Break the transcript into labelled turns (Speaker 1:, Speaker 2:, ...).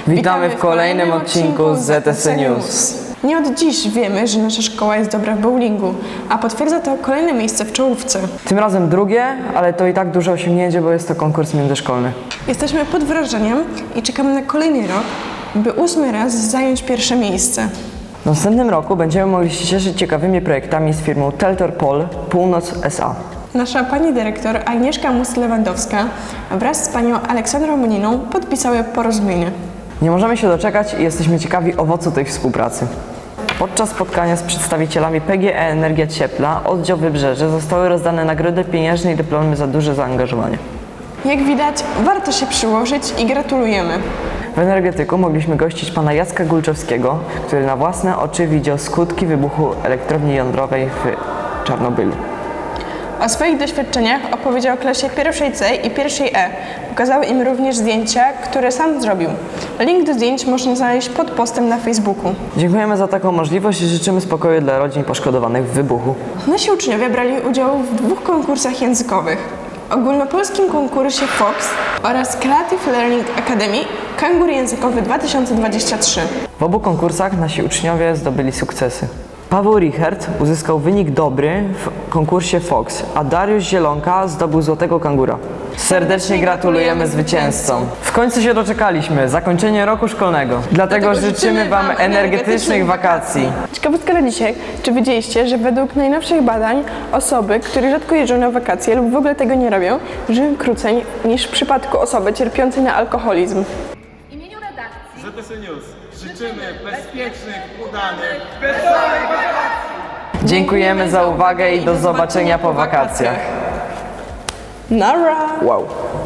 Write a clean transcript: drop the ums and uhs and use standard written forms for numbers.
Speaker 1: Witamy w kolejnym odcinku ZTS News.
Speaker 2: Nie od dziś wiemy, że nasza szkoła jest dobra w bowlingu, a potwierdza to kolejne miejsce w czołówce.
Speaker 1: Tym razem drugie, ale to i tak duże osiągnięcie, bo jest to konkurs międzyszkolny.
Speaker 2: Jesteśmy pod wrażeniem i czekamy na kolejny rok, by 8. raz zająć pierwsze miejsce.
Speaker 1: W następnym roku będziemy mogli się cieszyć ciekawymi projektami z firmą Teltor Pol Północ S.A.
Speaker 2: Nasza pani dyrektor Agnieszka Mus-Lewandowska wraz z panią Aleksandrą Moniną podpisały porozumienie.
Speaker 1: Nie możemy się doczekać i jesteśmy ciekawi owocu tej współpracy. Podczas spotkania z przedstawicielami PGE Energia Cieplna, oddział Wybrzeże, zostały rozdane nagrody pieniężne i dyplomy za duże zaangażowanie.
Speaker 2: Jak widać, warto się przyłożyć i gratulujemy.
Speaker 1: W energetyku mogliśmy gościć pana Jacka Gulczewskiego, który na własne oczy widział skutki wybuchu elektrowni jądrowej w Czarnobylu.
Speaker 2: O swoich doświadczeniach opowiedział klasie pierwszej C i pierwszej E. Pokazał im również zdjęcia, które sam zrobił. Link do zdjęć można znaleźć pod postem na Facebooku.
Speaker 1: Dziękujemy za taką możliwość i życzymy spokoju dla rodzin poszkodowanych w wybuchu.
Speaker 2: Nasi uczniowie brali udział w 2 konkursach językowych. Ogólnopolskim konkursie FOX oraz Creative Learning Academy Kangur Językowy 2023.
Speaker 1: W obu konkursach nasi uczniowie zdobyli sukcesy. Paweł Richert uzyskał wynik dobry w konkursie FOX, a Dariusz Zielonka zdobył złotego kangura. Serdecznie gratulujemy zwycięzcom. W końcu się doczekaliśmy, zakończenie roku szkolnego. Dlatego życzymy Wam energetycznych wakacji.
Speaker 2: Ciekawostka na dzisiaj. Czy wiedzieliście, że według najnowszych badań osoby, które rzadko jeżdżą na wakacje lub w ogóle tego nie robią, żyją krócej niż w przypadku osoby cierpiącej na alkoholizm?
Speaker 3: W imieniu redakcji
Speaker 4: ZTS News życzymy bezpiecznych, udanych, wesołych wakacji!
Speaker 1: Dziękujemy za uwagę i do zobaczenia po wakacjach.
Speaker 2: Nara!
Speaker 1: Wow.